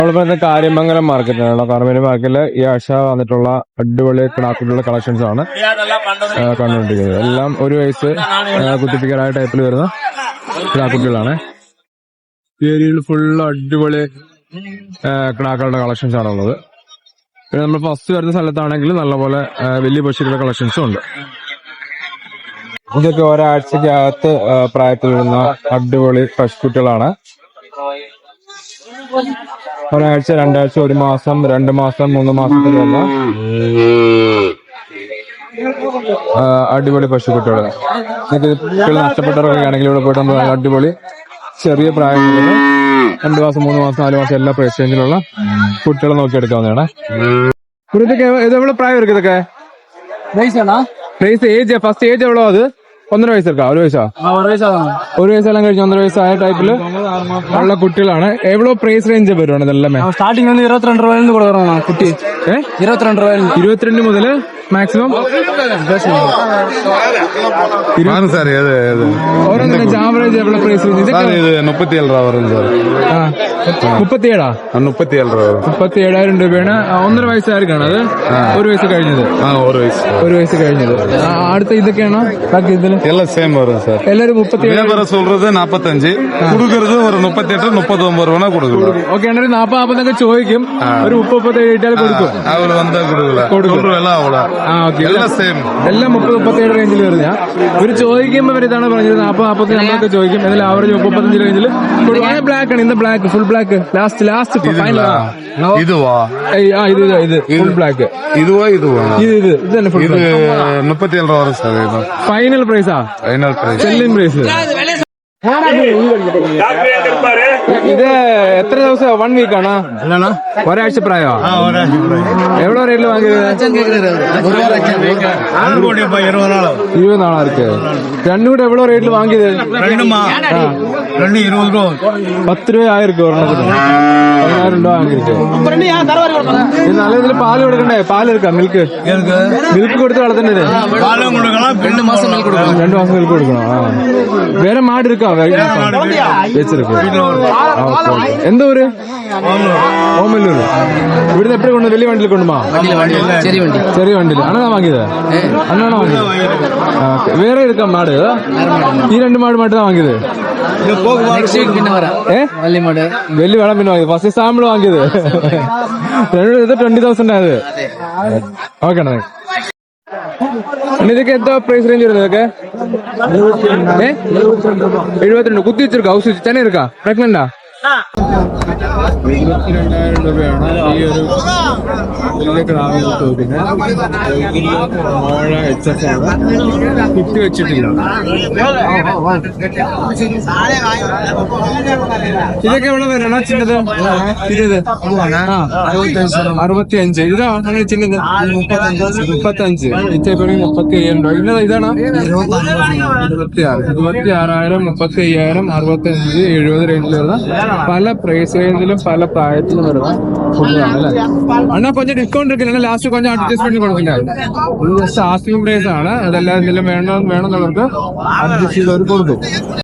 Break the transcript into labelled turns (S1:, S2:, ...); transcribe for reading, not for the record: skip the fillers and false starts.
S1: നമ്മളിപ്പോ കാര്യമംഗലം മാർക്കറ്റിലാണ്. കാർമേരി മാർക്കറ്റില് ഈ ആഴ്ച വന്നിട്ടുള്ള അടിപൊളി കിടാക്കുട്ടികളുടെ കളക്ഷൻസ് ആണ് കണ്ടുകൊണ്ടിരിക്കുന്നത്. എല്ലാം ഒരു വയസ്സ് കുത്തിപ്പിക്കാനായ ടൈപ്പിൽ വരുന്ന കിടാക്കുട്ടികളാണ്. ഈ ഏരിയയിൽ ഫുള്ള് അടിപൊളി കിടാക്കളുടെ കളക്ഷൻസ് ആണുള്ളത്. പിന്നെ നമ്മൾ ഫസ്റ്റ് വരുന്ന സ്ഥലത്താണെങ്കിൽ നല്ലപോലെ വലിയ പശുക്കളുടെ കളക്ഷൻസും ഉണ്ട്. ഇതൊക്കെ ഒരാഴ്ചക്കകത്ത് പ്രായത്തിൽ വരുന്ന അടിപൊളി പശുക്കുട്ടികളാണ്. ഒരാഴ്ച, രണ്ടാഴ്ച, ഒരു മാസം, 2 മാസം, 3 മാസത്തിൽ വന്ന അടിപൊളി പശുക്കുട്ടികൾ. കുട്ടികൾ നഷ്ടപ്പെട്ടവരൊക്കെ ആണെങ്കിൽ ഇവിടെ പോയിട്ട് നമ്മൾ അടിപൊളി ചെറിയ പ്രായങ്ങളിൽ 2 മാസം, 3 മാസം, 4 മാസം എല്ലാ പ്രൈസ് റേഞ്ചിലുള്ള കുട്ടികളെ നോക്കിയെടുക്കാവുന്നതാണ്. ഇതൊക്കെ എവിടെ പ്രായം ഇരിക്കും? ഇതൊക്കെ പ്രൈസ് ഏജ് ഫസ്റ്റ് ഏജ് എவ்வளோ? അത് 1.5 വയസ്സെടുക്കാം. 1 വയസ്സാ? 1 വയസ്സെല്ലാം കഴിഞ്ഞ് 1.5 വയസ്സായ ടൈപ്പില് ഉള്ള കുട്ടികളാണ്. എவ்வளோ പ്രൈസ് റേഞ്ച് വരുവാണ് ഇതെല്ലാം?
S2: സ്റ്റാർട്ടിംഗ് 22 രൂപ കൊടുക്കണം കുട്ടി. 22 രൂപ. 22
S1: മുതൽ മാക്സിമം ആവറേജ് എவ்வளோ പ്രൈസ് റേഞ്ച്?
S3: 37 രൂപ വരും സാർ.
S1: 37,000 രൂപയാണ്. 1.5 വയസ്സായിരിക്കാണ് അത്. 1 വയസ്സ് കഴിഞ്ഞത്. 1 വയസ്സ് കഴിഞ്ഞത്. അടുത്ത ഇതൊക്കെയാണോ ബാക്കി? ഇതിൽ
S3: എല്ലാം സെയിം വരും സാർ.
S1: എല്ലാരും 37
S3: சொல்றது 45 കൊടുക്കുന്നത് ഒരു 38 39 രൂപ കൊടുക്കും.
S1: ഓക്കെ, 40 ചോദിക്കും. ഒരു 37 ഇട്ടാൽ കൊടുക്കും.
S3: അവര് വന്നാ കൊടുക്കും.
S1: എല്ലാം 30-37 റേഞ്ചിൽ വരുന്ന. ഒരു ചോദിക്കുമ്പോ ഇതാണ് പറഞ്ഞത് 40-45 നമ്മളൊക്കെ ചോദിക്കും. എന്നാലും ആവറേജ് 35 റേഞ്ചിൽ. ബ്ലാക്ക് ആണ് ഇന്ന്. Black, full black. Last final.
S3: ഇത്
S1: ഫുൾ ബ്ലാക്ക്. ഇത് തന്നെ ഫുൾ
S3: 37 രൂപ വരും സാർ.
S1: ഫൈനൽ പ്രൈസാ? Final price, selling price. ഇത് എത്ര ദിവസം? 1 വീക്ക് ആണോ? ഒരാഴ്ച പ്രായോ? എവിടെ റേറ്റിൽ വാങ്ങിയത്? 20 നാളാർക്ക്. രണ്ടും കൂടെ എവിടെ റേറ്റിൽ വാങ്ങിയത്? 10 രൂപ ആയിരിക്കും ഒരെണ്ണത്തിന്. 10,000 രൂപ വാങ്ങിയിരിക്കും. നല്ല ഇതിൽ പാല് കൊടുക്കണ്ടേ? പാല് എടുക്കാം. മിൽക്ക് കൊടുത്ത് വളർത്തേണ്ടത്. 2 മാസം മിൽക്ക് കൊടുക്കണം. വേറെ മാട് എടുക്കാം. വെച്ചിരിക്കും. എന്തോ ഒരു ഓമല്ലൂര്. ഇവിടുന്ന് എപ്പോഴും കൊണ്ട് വലിയ വണ്ടിയിൽ കൊണ്ടുപോ? ചെറിയ വണ്ടിയിൽ ആണോ വാങ്ങിയത്? അന്നാണോ വാങ്ങിയത്? വേറെ എടുക്കാം മാട്? ഈ 2 മാട് മാത്രമാണ് വാങ്ങിയത്? വലിയ വേണം പിന്നെ വാങ്ങിയത്. ഫസ്റ്റ് സാമ്പിൾ വാങ്ങിയത്. ഇത് 20,000 ആയത്. ഓക്കെ. ഇതൊക്കെ എന്താ പ്രൈസ് റേഞ്ച് വരുന്നത്? ഇതൊക്കെ 72. കുത്തി വെച്ചിരിക്കാ? ഹൗസ് തന്നെ ഇരിക്കാ? പ്രഗ്നന്റാ? 22,000 രൂപയാണ് ഈ ഒരു കുത്തി വെച്ചിട്ടില്ല. ഇതൊക്കെ എവിടെ വരണ ചിന്നത്? 65. ഇതാ അങ്ങനെ ചിന്നത് 35. ഇതേപോലെ 35,000 രൂപ. ഇതാണ് 26,000, 35,000, 65, 70 റേഞ്ചിൽ വരുന്ന പല പ്രൈസ് റേഞ്ചിലും പല പ്രായത്തിലും വരുന്ന ഫുഡാണ് അല്ലേ? അണ്ണാ കൊഞ്ചം ഡിസ്കൗണ്ട് എടുക്കില്ല. ലാസ്റ്റ് കൊഞ്ചം അഡ്ജസ്റ്റ്മെന്റ് കൊടുക്കില്ല. ജസ്റ്റ് ആസ്കിംഗ് പ്രൈസ് ആണ്. അതെല്ലാം എന്തെങ്കിലും വേണമെന്നുള്ളവർക്ക് അഡ്ജസ്റ്റ് ചെയ്തവർ കൊടുക്കും.